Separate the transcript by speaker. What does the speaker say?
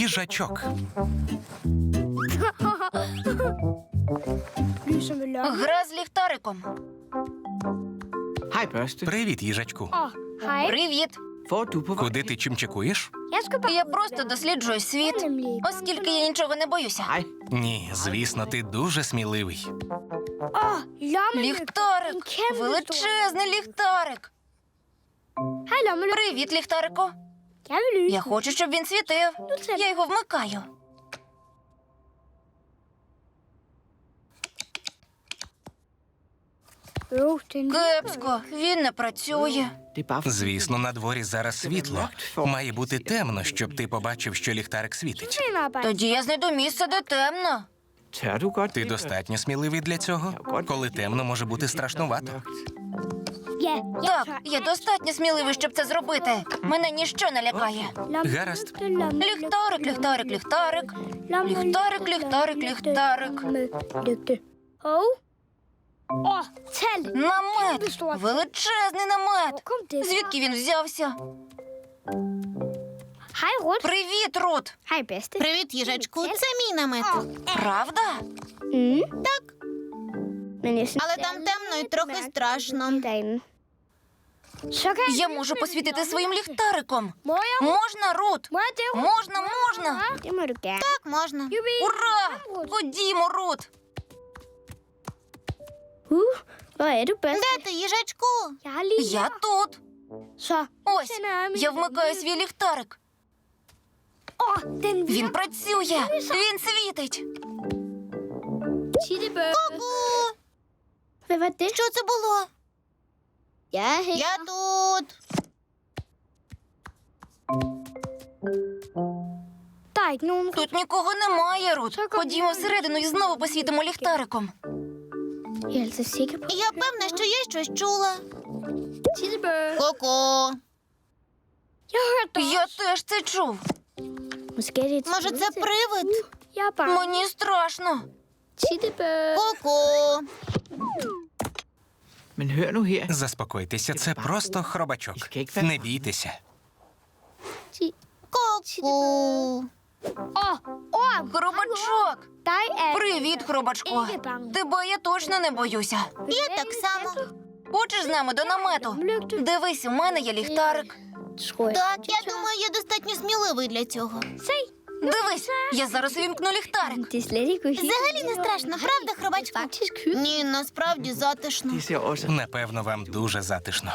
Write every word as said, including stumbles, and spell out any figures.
Speaker 1: Їжачок.
Speaker 2: Гра з ліхтариком.
Speaker 3: Hej, børste.
Speaker 1: Привіт, їжачку.
Speaker 2: Привіт.
Speaker 3: Hvor er du på vej?
Speaker 1: Куди ти чимчикуєш?
Speaker 2: Я просто досліджую світ, оскільки я нічого не боюся.
Speaker 3: Hej.
Speaker 1: Ні, звісно, ти дуже сміливий.
Speaker 2: Ліхтарик! Величезний ліхтарик! Привіт, ліхтарику! Я хочу, щоб він світив. Я його вмикаю. Кепсько, він не працює.
Speaker 3: Det er bare fordi,
Speaker 1: Звісно, на дворі зараз світло. Має бути темно, щоб ти побачив, що ліхтарик світить.
Speaker 2: Тоді я знайду місце, де темно.
Speaker 3: tør du godt
Speaker 1: Ти
Speaker 3: det,
Speaker 1: достатньо сміливий для цього? Коли темно, може бути страшнувато.
Speaker 3: mørkt?
Speaker 2: Так, я достатньо сміливий, щоб це зробити. Мене ніщо не лякає.
Speaker 1: Гаразд.
Speaker 2: Ліхтарик, ліхтарик, ліхтарик. Ліхтарик, ліхтарик, ліхтарик. Намет! Величезний намет! Звідки він взявся? Привіт, Рут!
Speaker 4: Привіт, їжачку. Це мій намет.
Speaker 2: Правда?
Speaker 4: Так, але там темно і трохи страшно.
Speaker 2: Я можу посвітити своїм ліхтариком. Можна, Рут? Можна, можна.
Speaker 4: Так, можна.
Speaker 2: Ура! Ходімо, Рут.
Speaker 4: Де ти, їжачку?
Speaker 2: Я тут. Ось, я вмикаю свій ліхтарик. Він працює. Він світить.
Speaker 4: Ку-ку! Що це було? Я тут.
Speaker 2: Тут нікого немає, Рут. Ходімо всередину і знову посвітимо ліхтариком.
Speaker 4: Я певна, що я щось чула. Ку-ку!
Speaker 2: Я теж це чув.
Speaker 4: Може, це привид?
Speaker 2: Мені страшно.
Speaker 4: Ку-ку!
Speaker 3: Men hør nu her.
Speaker 1: Заспокойтеся, це просто хробачок. Не бійтеся.
Speaker 4: Ку-ку!
Speaker 2: Хробачок. Привіт, хробачко. Тебе я точно не боюся.
Speaker 4: Я так само.
Speaker 2: Хочеш з нами до намету? Дивись, у мене є ліхтарик.
Speaker 4: Так, я думаю, я достатньо сміливий для цього.
Speaker 2: Дивись, я зараз увімкну ліхтарик.
Speaker 4: Взагалі не страшно, правда, хробачку? Ні, насправді затишно.
Speaker 3: Det ser også...
Speaker 1: Напевно, вам дуже затишно.